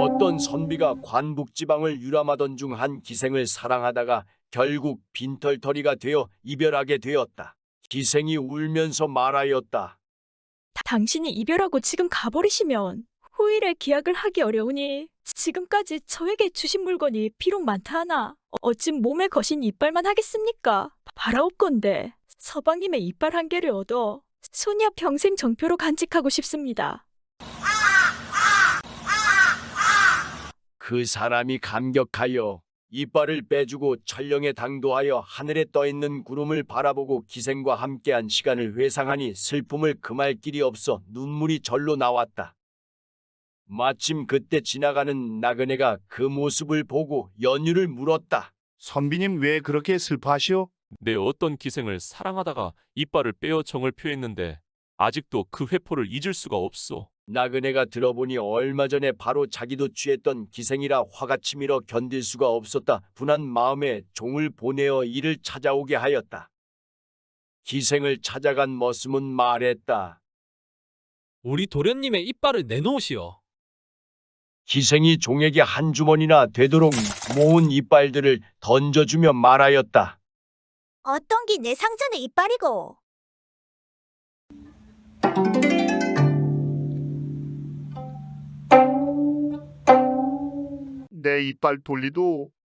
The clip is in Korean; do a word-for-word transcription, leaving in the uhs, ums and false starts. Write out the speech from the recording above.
어떤 선비가 관북지방을 유람하던 중 한 기생을 사랑하다가 결국 빈털터리가 되어 이별하게 되었다. 기생이 울면서 말하였다. 당신이 이별하고 지금 가버리시면 후일에 기약을 하기 어려우니 지금까지 저에게 주신 물건이 비록 많다 하나 어찌 몸에 거신 이빨만 하겠습니까? 바라옵건대 서방님의 이빨 한 개를 얻어 소녀 평생 정표로 간직하고 싶습니다. 그 사람이 감격하여 이빨을 빼주고 천령에 당도하여 하늘에 떠있는 구름을 바라보고 기생과 함께한 시간을 회상하니 슬픔을 금할 길이 없어 눈물이 절로 나왔다. 마침 그때 지나가는 나그네가 그 모습을 보고 연유를 물었다. 선비님 왜 그렇게 슬퍼하시오? 내 어떤 기생을 사랑하다가 이빨을 빼어 정을 표했는데 아직도 그 회포를 잊을 수가 없소. 나그네가 들어보니 얼마 전에 바로 자기도 취했던 기생이라 화가 치밀어 견딜 수가 없었다. 분한 마음에 종을 보내어 이를 찾아오게 하였다. 기생을 찾아간 머슴은 말했다. 우리 도련님의 이빨을 내놓으시오. 기생이 종에게 한 주머니나 되도록 모은 이빨들을 던져주며 말하였다. 어떤 게 내 상전의 이빨이고? 내 이빨 돌리도